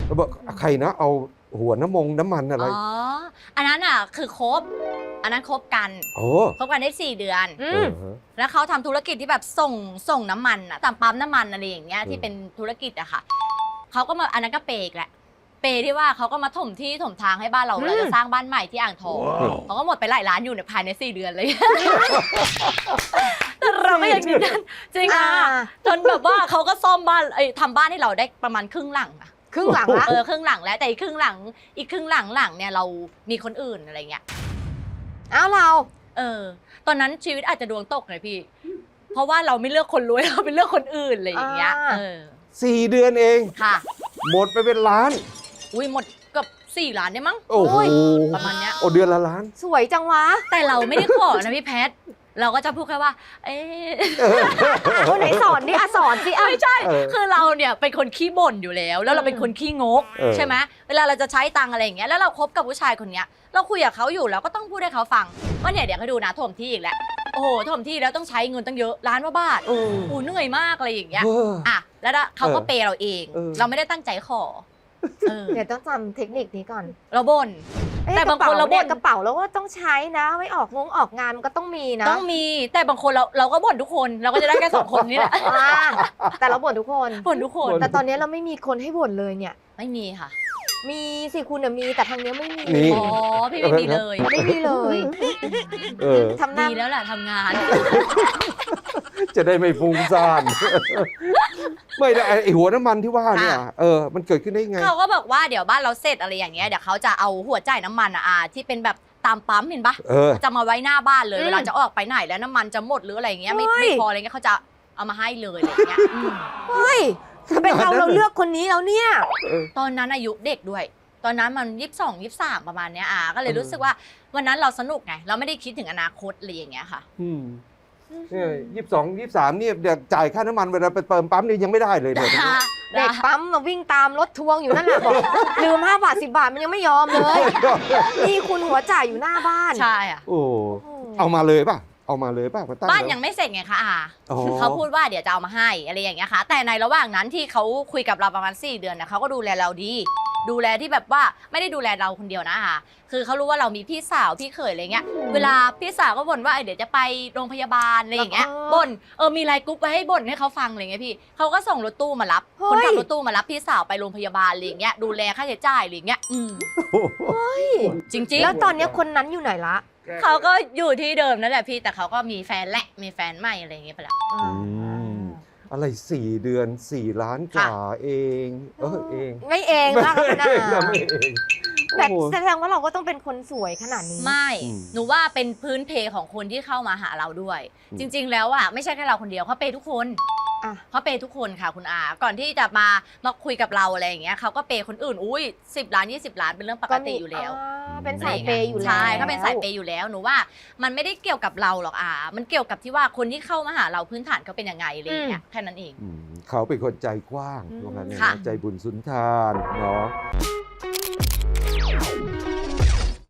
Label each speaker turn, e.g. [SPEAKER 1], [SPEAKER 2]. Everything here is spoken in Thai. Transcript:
[SPEAKER 1] แล้วบอกใครนะเอาหัวน้ำมันอะไร
[SPEAKER 2] อ๋ออันนั้นอ่ะคือคบอันนั้นคบกัน
[SPEAKER 1] โอ้
[SPEAKER 2] คบกันได้4 เดือน
[SPEAKER 1] ฮะ
[SPEAKER 2] แล้วเขาทำธุรกิจที่แบบส่งน้ำมันอะตามปั๊มน้ำมันอะไรอย่างเงี้ยที่เป็นธุรกิจอะค่ะเขาก็มาอันนั้นก็เปย์อีกแหละเปย์ที่ว่าเขาก็มาถมที่ถมทางให้บ้านเราเราจะสร้างบ้านใหม่ที่อ่างทองเขาก็หมดไปหลายล้านอยู่ในภายใน4 เดือนเลยแต่เราก็ยังยืนยันจริงอ่ะจนแบบว่าเขาก็ซ่อมบ้านทำบ้านให้เราได้ประมาณครึ่งหลังอะ
[SPEAKER 3] ครึ่งหลังละ
[SPEAKER 2] ครึ่งหลังแล้วแต่อีกครึ่งหลังเนี่ยเรามีคนอื่นอะไรเงี้ย
[SPEAKER 3] อ้าวเรา
[SPEAKER 2] ตอนนั้นชีวิตอาจจะดวงตกเลยพี่ เพราะว่าเราไม่เลือกคนรวยเราไปเลือกคนอื่นอะไรอย่างเงี้ย
[SPEAKER 1] 4 เดือนเอง
[SPEAKER 2] ค่ะ
[SPEAKER 1] หมดไปเป็นล้าน
[SPEAKER 2] อุ้ยหมดเกือบ4 ล้านได้มั้ง
[SPEAKER 1] โอ้โห
[SPEAKER 2] ประมาณเนี้ย
[SPEAKER 1] โอ้เดือนละล้าน
[SPEAKER 3] สวยจังวะ
[SPEAKER 2] แต่เราไม่ได้ขอนะพี่แพทเราก็จะพูดแค่ว่า
[SPEAKER 3] คนไหนสอนดิสอนสิ
[SPEAKER 2] ไม่ใช่คือเราเนี่ยเป็นคนขี้บ่นอยู่แล้วแล้วเราเป็นคนขี้งกใช่ไหมเวลาเราจะใช้ตังอะไรอย่างเงี้ยแล้วเราคบกับผู้ชายคนเนี้ยเราคุยกับเขาอยู่แล้วก็ต้องพูดให้เขาฟังว่าเนี่ยเดี๋ยวเขาดูนะถมที่อีกแหละโอ้โหถมที่แล้วต้องใช้เงินตั้งเยอะล้านกว่าบาทโอ้เหนื่อยมากอะไรอย่างเงี้ยอ่ะแล้วเขาก็เปย์เราเองเราไม่ได้ตั้งใจขอ
[SPEAKER 3] เดี๋ยวต้องจำเทคนิคนี้ก่อน
[SPEAKER 2] เราบ่นแต่บางคนเราบ่น
[SPEAKER 3] กระเป๋าแล้วก็ต้องใช้นะไม่ออกงานมันก็ต้องมีนะ
[SPEAKER 2] ต้องมีแต่บางคนเราก็บ่นทุกคนเราก็จะได้แค่2 คนนี่แหละ
[SPEAKER 3] แต่เราบ่นทุกคน
[SPEAKER 2] แต่
[SPEAKER 3] ตอนนี้เราไม่มีคนให้บ่นเลยเนี่ย
[SPEAKER 2] ไม่มีค่ะ
[SPEAKER 3] มีสิคุณมีแต่ทางนี้ไม่มี
[SPEAKER 2] อ๋อพี่ไม่มีเลย
[SPEAKER 3] ไม่มีเลย
[SPEAKER 2] ทำดีแล้วแหละทำงาน
[SPEAKER 1] จะได้ไม่ฟุ้งซ่านไม่ได้ไอหัวน้ำมันที่ว่าเนี่ยมันเกิดขึ้นได้ไง
[SPEAKER 2] เขาก็บอกว่าเดี๋ยวบ้านเราเสร็จอะไรอย่างเงี้ยเดี๋ยวเขาจะเอาหัวจ่ายน้ำมันที่เป็นแบบตามปั๊มเห็นปะจะมาไว้หน้าบ้านเลยเวลาจะออกไปไหนแล้วน้ำมันจะหมดหรืออะไรอย่างเงี้ยไม่พออะไรเงี้ยเขาจะเอามาให้เลยอะไรเงี้ย
[SPEAKER 3] เฮ้ยเป็นเราเลือกคนนี้แล้วเนี่ย
[SPEAKER 2] ตอนนั้นอายุเด็กด้วยตอนนั้นมัน22 23ประมาณเนี้ยก็เลยรู้สึกว่าวันนั้นเราสนุกไงเราไม่ได้คิดถึงอนาคตอะไรอย่างเงี้ยค่ะ
[SPEAKER 1] เนี่ย22 23เนี่ยเดี๋ยวจ่ายค่าน้ำมันเวลาไปเติมปั๊มนี่ยังไม่ได้เลยเนี่ย
[SPEAKER 3] เด็กปั๊มมาวิ่งตามรถทวงอยู่นั่นแหละบอกลืม5 บาท 10 บาทมันยังไม่ยอมเลยนี่คุณหัวจ่ายอยู่หน้าบ้าน
[SPEAKER 2] ใช่อ่ะ
[SPEAKER 1] โอ้เอามาเลยป่ะ
[SPEAKER 2] บ้านยังไม่เสร็จไงคะเขาพูดว่าเดี๋ยวจะเอามาให้อะไรอย่างเงี้ยค่ะแต่ในระหว่างนั้นที่เขาคุยกับเราประมาณ4 เดือนนะเขาก็ดูแลเราดีดูแลที่แบบว่าไม่ได้ดูแลเราคนเดียวนะคะคือเขารู้ว่าเรามีพี่สาวพี่เขยอะไรเงี้ยเวลาพี่สาวก็บ่นว่าเดี๋ยวจะไปโรงพยาบาลอะไรอย่างเงี้ยบ่นมีไลน์กรุ๊ปไว้ให้บ่นให้เขาฟังอะไรเงี้ยพี่เขาก็ส่งรถตู้มารับคนขับรถตู้มารับพี่สาวไปโรงพยาบาลอะไรเงี้ยดูแลค่าใช้จ่ายอะไรเงี้ยจริงๆ
[SPEAKER 3] แล้วตอนนี้คนนั้นอยู่ไหนละ
[SPEAKER 2] เขาก็อยู่ที่เดิมนั่นแหละพี่แต่เขาก็มีแฟนมีแฟนใหม่อะไรอย่างเงี้ยไปแล้ว
[SPEAKER 1] อะไร4 เดือน4 ล้านกว่าเองเอง
[SPEAKER 3] ไม่เองว่ากันนะ
[SPEAKER 1] ไม่เอง
[SPEAKER 3] แต่แสดงว่าเราก็ต้องเป็นคนสวยขนาดนี้
[SPEAKER 2] ไม่หนูว่าเป็นพื้นเพของคนที่เข้ามาหาเราด้วยจริงๆแล้วไม่ใช่แค่เราคนเดียวเขาเปย์ทุกคนเขาเปย์ทุกคนค่ะคุณอาก่อนที่จะมาคุยกับเราอะไรอย่างเงี้ยเขาก็เปย์คนอื่น10 ล้าน20 ล้านเป็นเรื่องปกติอยู่แล้ว
[SPEAKER 3] เป็นสายเปย์อยู่แล้ว
[SPEAKER 2] ใช่เขาเป็นสายเปย์อยู่แล้วหนูว่ามันไม่ได้เกี่ยวกับเราหรอกมันเกี่ยวกับที่ว่าคนที่เข้ามาหาเราพื้นฐานเขาเป็นยังไงอะไรอย่างเงี้ยแค่นั้นเอง
[SPEAKER 1] เขาเป็นคนใจกว้างตรงนั้นใจบุญสุนทานเนาะ